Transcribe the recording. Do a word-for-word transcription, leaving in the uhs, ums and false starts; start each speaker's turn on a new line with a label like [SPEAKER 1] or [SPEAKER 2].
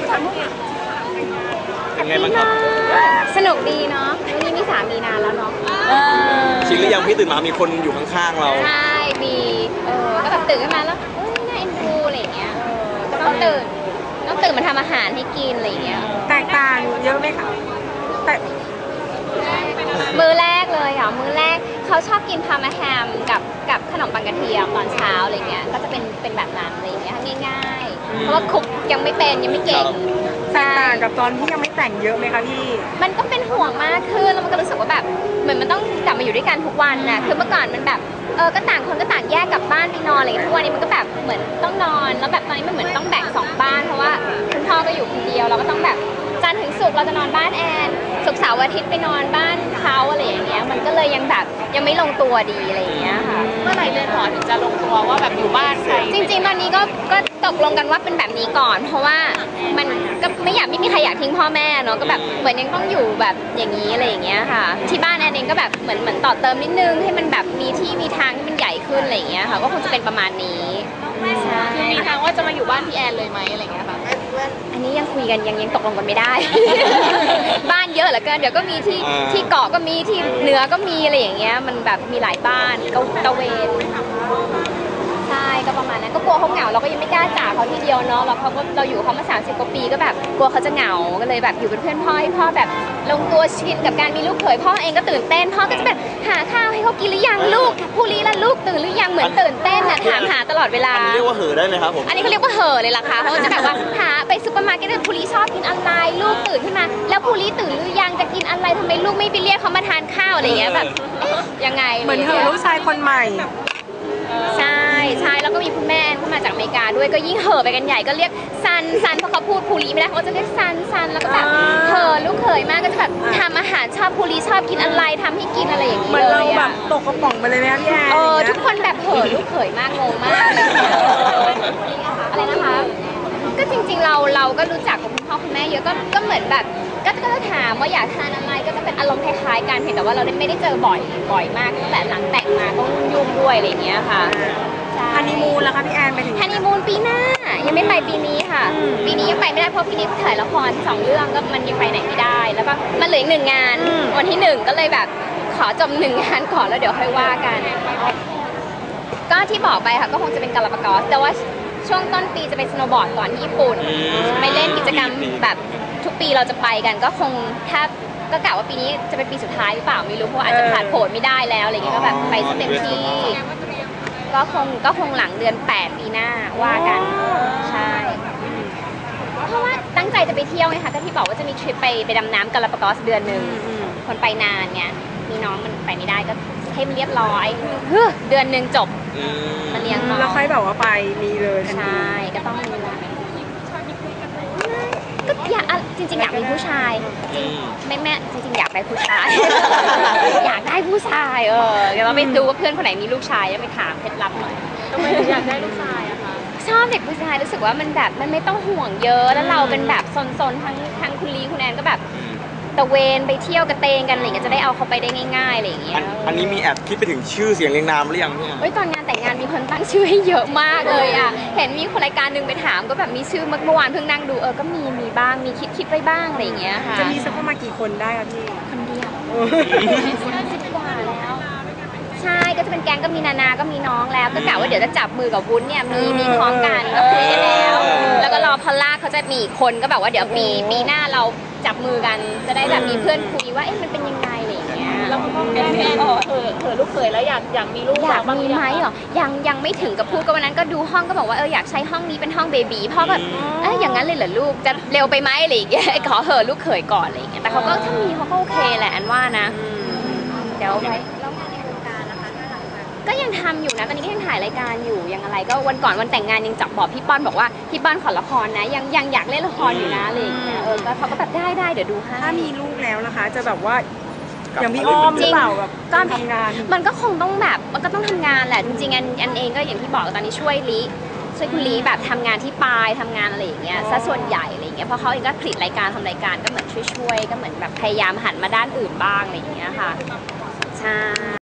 [SPEAKER 1] เป็นไงบ้างครับ
[SPEAKER 2] สนุกดีเนาะวันนี้มีสามีนานแล้วเนาะ
[SPEAKER 1] ชินหรือยังพี่ตื่นมามีคนอยู่ข้างๆเรา
[SPEAKER 2] ใช่มีเออก็แบบตื่นขึ้นมาแล้วเอ้ยน่าเอ็นดูอะไรอย่างเงี้ยก็ต้องตื่นต้องตื่นมาทำอาหารให้กินอะไรอย่างเงี้ย
[SPEAKER 3] แตกต่างเยอะไหมคะแต่
[SPEAKER 2] มื้อแรกเลยอ่ะมื้อแรกเขาชอบกินพามาแฮมกับกับขนมปังกระเทียมตอนเช้าอะไรเงี้ยก็จะเป็นเป็นแบบนั้นอะไรเงี้ยง่ายๆเพราะว่าคุกยังไม่เป็นยังไม่เก่ง
[SPEAKER 3] แตกต่างกับตอนที่ยังไม่แต่งเยอะไหมคะพี่
[SPEAKER 2] มันก็เป็นห่วงมากขึ้นแล้วมันก็รู้สึกว่าแบบเหมือนมันต้องกลับมาอยู่ด้วยกันทุกวันน่ะคือเมื่อก่อนมันแบบเออก็ต่างคนก็ต่างแยกกลับบ้านไปนอนอะไรอย่างเงี้ยทุกวันนี้มันก็แบบเหมือนต้องนอนแล้วแบบตอนนี้มันเหมือนต้องแบ่งสองบ้านเพราะว่าคุณพ่อก็อยู่คนเดียวเราก็ต้องแบบจันทร์ถึงศุกร์เราจะนอนบ้านแอนศุกร์เสาร์อาทิตย์ไปนอนบ้านเขาอะไรอย่างเงี้ยมันก็เลยยังแบบยังไม่ลงตัวดีอะไรอย่างเงี้ยค่ะ
[SPEAKER 4] เมื่อไหร่เรือนหอถึงจะลงตัวว่าแบบอยู่บ้านใคร
[SPEAKER 2] จริงๆตอนนี้ก็ก็ตกลงกันว่าเป็นแบบนี้ก่อน เพราะว่ามันก็ไม่อยากไม่มีใครอยากทิ้งพ่อแม่เนาะก็แบบเหมือนยังต้องอยู่แบบอย่างนี้อะไรอย่างเงี้ยค่ะที่บ้านแอนเองก็แบบเหมือนเหมือนต่อเติมนิดนึงให้มันแบบมีที่มีทางที่มันใหญ่ขึ้นอะไรอย่างเงี้ยค่ะก็คงจะเป็นประมาณนี้
[SPEAKER 4] คือมีทางว่าจะมาอยู่บ้านพี่แอนเลยไหมอะไรเงี้ยค่ะ
[SPEAKER 2] อันนี้ยังคุยกันยังยังตกลงกันไม่ได้ บ้านเยอะเหลือเกินเดี๋ยวก็มีที่ที่เกาะก็มีที่เหนือก็มีอะไรอย่างเงี้ยมันแบบมีหลายบ้านก็ตะเวนใช่ก็ประมาณนั้นก็กลัวเขาเหงาเราก็ยังไม่กล้าจากเขาทีเดียวเนาะเราเขาก็เราอยู่เขามาสามสิบกว่าปีก็แบบกลัวเขาจะเหงาก็เลยแบบอยู่เป็นเพื่อนพ่อให้พ่อแบบลงตัวชินกับการมีลูกเขยพ่อเองก็ตื่นเต้นพ่อก็จะแบบหาข้าวให้เขากินหรือยังลูกผู้ลี้ละลูกตื่นหรือยังเหมือนตื่นเต้นน่ะถามหาตลอดเวลา
[SPEAKER 1] อันนี้เรียกว่าเห่อได้ไหมครับผม
[SPEAKER 2] อันนี้เขาเรียกว่าเห่อเลยล่ะค่ะเขาจะแบบว่าหาไปซุปเปอร์มาร์เก็ตผู้ลี้ชอบกินอะไรลูกตื่นขึ้นมาแล้วผู้ลี้ตื่นหรือยังจะกินอะไรทำไมลูกไม่ไปเรียกเขามาทานข้าวอะไรอย่างเงี้ยแบบยังไง
[SPEAKER 3] เหมือนเธอลูกชายคนใหม่
[SPEAKER 2] ใช่ใช่แล้วก็มีคุณแม่เข้ามาจากอเมริกาด้วยก็ยิ่งเห่อไปกันใหญ่ก็เรียกซันซันเพราะเขาพูดพูลีไม่ได้เขาจะเรียกซันซันแล้วก็แบบเห่อลูกเขยมากก็จะแบบทำอาหารชอบพูลีชอบกินอะไรทำให้กินอะไรอย่างนี้เลย
[SPEAKER 3] เหมือนเราแบบตกกระป๋องไปเลยไหมพี่แอน
[SPEAKER 2] เออทุกคนแบบเห่อลูกเขยมากงงมากอะไรนะคะก็จริงๆเราเราก็รู้จักกับคุณพ่อคุณแม่เยอะก็ก็เหมือนแบบก็ก็จะถามว่าอยากทานอะไรก็จะเป็นอารมณ์คล้ายๆกันเพียงแต่ว่าเราไม่ได้เจอบ่อยบ่อยมากตั้งแต่หลังแต่งมาต้องยุ่งด้วยอะไรอย่างเงี้ยค่ะ
[SPEAKER 3] ฮันนีมูนแล้วคะพี่แอนไปถึง
[SPEAKER 2] ฮันนีมูนปีหน้ายังไม่ไปปีนี้ค่ะปีนี้ยังไปไม่ได้เพราะปีนี้ถ่ายละครสองเรื่องก็มันยังไปไหนไม่ได้แล้วก็มันเหลืออีกหนึ่งงานวันที่หนึ่งก็เลยแบบขอจบหนึ่งงานก่อนแล้วเดี๋ยวค่อยว่ากันก็ที่บอกไปค่ะก็คงจะเป็นกาลาปากอสแต่ว่าช่วงต้นปีจะไปสโนว์บอร์ดก่อนที่ญี่ปุ่นไปเล่นกิจกรรมแบบทุกปีเราจะไปกันก็คงถ้าก็กะว่าปีนี้จะเป็นปีสุดท้ายหรือเปล่าไม่รู้เพราะอาจจะผ่านโผล่ไม่ได้แล้วอะไรเงี้ยก็แบบไปเต็มที่ก็คงก็คงหลังเดือนแปดปีหน้าว่ากันใช่เพราะว่าตั้งใจจะไปเที่ยวไงคะก็ที่บอกว่าจะมีทริปไปไปดำน้ำกาลาปากอสเดือนหนึ่งคนไปนานเนี่ยมีน้องมันไปไม่ได้ก็ให้มันเรียบร้อยเดือนหนึ่งจบมาเลี้ยงน้อง
[SPEAKER 3] แล้วค่อยแบบว่าไปมีเลย
[SPEAKER 2] ใช่ก็ต้องมีก็อยากจริงๆอยากมีผู้ชายจริงแม่แม่จริงๆอยากได้ผู้ชายอยากได้ผู้ชายเออเดี๋ยวเราไปดูว่าเพื่อนคนไหนมีลูกชายแล้วไปถามเคล็ดลับหน่อย
[SPEAKER 4] ทำไมถึงอยากได้ลูกชายอะคะ
[SPEAKER 2] ชอบเด็กผู้ชายรู้สึกว่ามันแบบมันไม่ต้องห่วงเยอะแล้วเราเป็นแบบซนๆทั้งทั้งคุณลีคุณแอนก็แบบตะเวนไปเที่ยวกระเตงกันอะไรเงี้ยจะได้เอาเขาไปได้ง่ายๆอะไรอย่างเงี้ย
[SPEAKER 1] อันนี้มีแอบคิดไปถึงชื่อเสียงเรียงนามหรือยังเนี่ย
[SPEAKER 2] เอ้ยตอนงานแต่งงานมีคนตั้งชื่อให้เยอะมากเลยอ่ะเห็นมีคนรายการหนึ่งไปถามก็แบบมีชื่อเมื่อวานเพิ่งนั่งดูเออก็มีมีบ้างมีคิดคิดไว้บ้างอะไรอย่างเงี้ยค่ะ
[SPEAKER 3] จะมีสักประมาณกี่คนได้คะพี่
[SPEAKER 2] คนเดียวสิบกว่าแล้วใช่ก็จะเป็นแก๊งก็มีนานาก็มีน้องแล้วก็กะว่าเดี๋ยวจะจับมือกับวุ้นเนี่ยมีมีคล้องกันก็เพลย์แล้วแล้วก็รอพอลล่าเขาจะมีคนก็แบบว่าเดี๋ยวปีปีหน้าเราจับมือกันจะได้แบบมีเพื่อนคุยว่าเอ๊ะมันเป็นยังไงอะไรอย่างเงี้ย
[SPEAKER 4] แล้วคุณพ่อแม่แม่เออเออเออลูกเขยแล้วอยากอยากมีลูก
[SPEAKER 2] อยากมีไหมเหรอยังยังไม่ถึงกับพูดก็วันนั้นก็ดูห้องก็บอกว่าเอออยากใช้ห้องนี้เป็นห้องเบบีพ่อแบบเอ๊ะอย่างนั้นเลยเหรอลูกจะเร็วไปไหมอะไรอย่างเงี้ยขอเหอะลูกเขยก่อนอะไรอย่างเงี้ยแต่เขาก็ถ้ามีเขาก็โอเคแหละอันว่านะเดี๋ยวไปก็ยังทำอยู่นะตอนนี้ก็ยังถ่ายรายการอยู่ยังอะไรก็วันก่อนวันแต่งงานยังจับบอกพี่ป้อนบอกว่าพี่ป้อนขอละครนะยังยังอยากเล่นละครอยู่นะอะไรอย่างเงี้ยเออก็เขาก็แบบได้ได้เดี๋ยวดูให้
[SPEAKER 3] ถ้ามีลูกแล้วนะคะจะแบบว่าอย่างพี่อ้อมหรือเปล่าแบบ
[SPEAKER 2] ก็
[SPEAKER 3] ทำงาน
[SPEAKER 2] มันก็คงต้องแบบมันก็ต้องทำงานแหละจริงๆอันอันเองก็อย่างที่บอกตอนนี้ช่วยลิช่วยคุณลีแบบทำงานที่ปลายทำงานอะไรอย่างเงี้ยซะส่วนใหญ่อะไรอย่างเงี้ยเพราะเขาเองก็ผลิตรายการทำรายการก็เหมือนช่วยๆก็เหมือนแบบพยายามหันมาด้านอื่นบ้างอะไรอย่างเงี้ยค่ะใช่